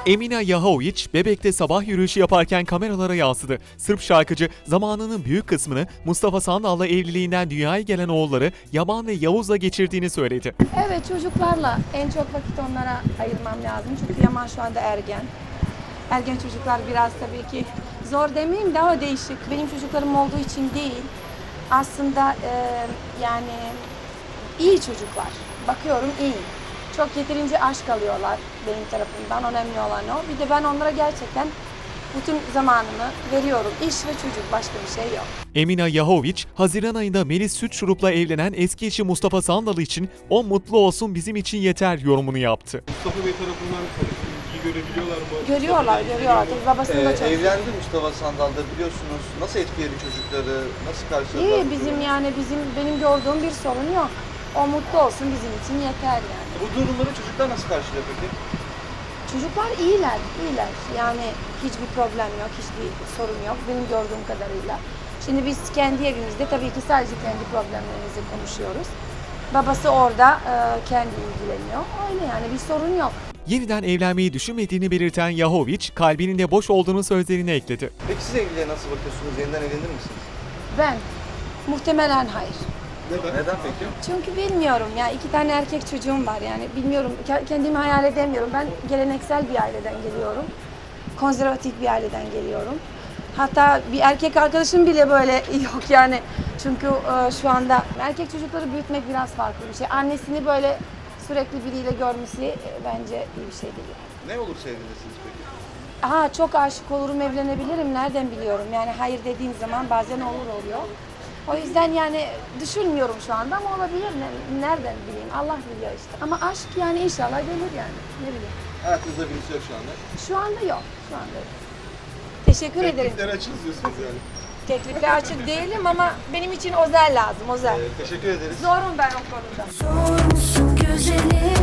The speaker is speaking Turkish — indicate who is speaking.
Speaker 1: Emina Yahović, Bebek'te sabah yürüyüşü yaparken kameralara yansıdı. Sırp şarkıcı zamanının büyük kısmını Mustafa Sandal'la evliliğinden dünyaya gelen oğulları Yaman ve Yavuz'la geçirdiğini söyledi.
Speaker 2: Evet, çocuklarla en çok vakit onlara ayırmam lazım. Çünkü Yaman şu anda ergen. Ergen çocuklar biraz tabii ki zor demeyeyim, daha değişik. Benim çocuklarım olduğu için değil. Aslında yani iyi çocuklar. Bakıyorum iyi. Çok yeterince aşk alıyorlar benim tarafımdan. Önemli olan o. Bir de ben onlara gerçekten bütün zamanımı veriyorum. İş ve çocuk, başka bir şey yok.
Speaker 1: Emina Yahović, Haziran ayında Melis Sütçurup'la evlenen eski eşi Mustafa Sandal için "O mutlu olsun, bizim için yeter" yorumunu yaptı.
Speaker 3: Mustafa Bey tarafından ilgi görebiliyorlar mı?
Speaker 2: Görüyorlar. Tabii babasını da çok
Speaker 4: Evlendi Mustafa Sandal'da, biliyorsunuz. Nasıl etkiledi çocukları? Nasıl karşıladılar?
Speaker 2: İyi, benim gördüğüm bir sorun yok. O mutlu olsun, bizim için yeter yani.
Speaker 4: Bu durumları çocuklar nasıl karşılıyor peki?
Speaker 2: Çocuklar iyiler. Yani hiçbir problem yok, hiçbir sorun yok benim gördüğüm kadarıyla. Şimdi biz kendi evimizde tabii ki sadece kendi problemlerimizi konuşuyoruz. Babası orada kendi ilgileniyor. Öyle yani, bir sorun yok.
Speaker 1: Yeniden evlenmeyi düşünmediğini belirten Yahović, kalbinin de boş olduğunu sözlerine ekledi.
Speaker 4: Peki siz evliliğe nasıl bakıyorsunuz? Yeniden evlenir misiniz?
Speaker 2: Ben muhtemelen hayır.
Speaker 4: Neden peki?
Speaker 2: Çünkü bilmiyorum ya, 2 tane erkek çocuğum var yani bilmiyorum, kendimi hayal edemiyorum. Ben geleneksel bir aileden geliyorum. Konservatif bir aileden geliyorum. Hatta bir erkek arkadaşım bile böyle yok yani. Çünkü şu anda erkek çocukları büyütmek biraz farklı bir şey. Annesini böyle sürekli biriyle görmesi bence iyi bir şey değil.
Speaker 4: Ne olur sevgilirsiniz peki?
Speaker 2: Çok aşık olurum, evlenebilirim. Nereden biliyorum? Yani hayır dediğin zaman bazen oluyor. O yüzden yani düşünmüyorum şu anda ama olabilir. Nereden bileyim? Allah biliyor işte. Ama aşk yani inşallah gelir yani. Ne bileyim.
Speaker 4: Hayatınızda birisi yok şu anda.
Speaker 2: Şu anda yok. Teşekkür ederim.
Speaker 3: Teklifler açız diyorsunuz yani.
Speaker 2: Teklifler açık değilim ama benim için özel lazım. Özel.
Speaker 4: Teşekkür ederiz.
Speaker 2: Zorum ben o konuda.
Speaker 5: Zor musun güzelim?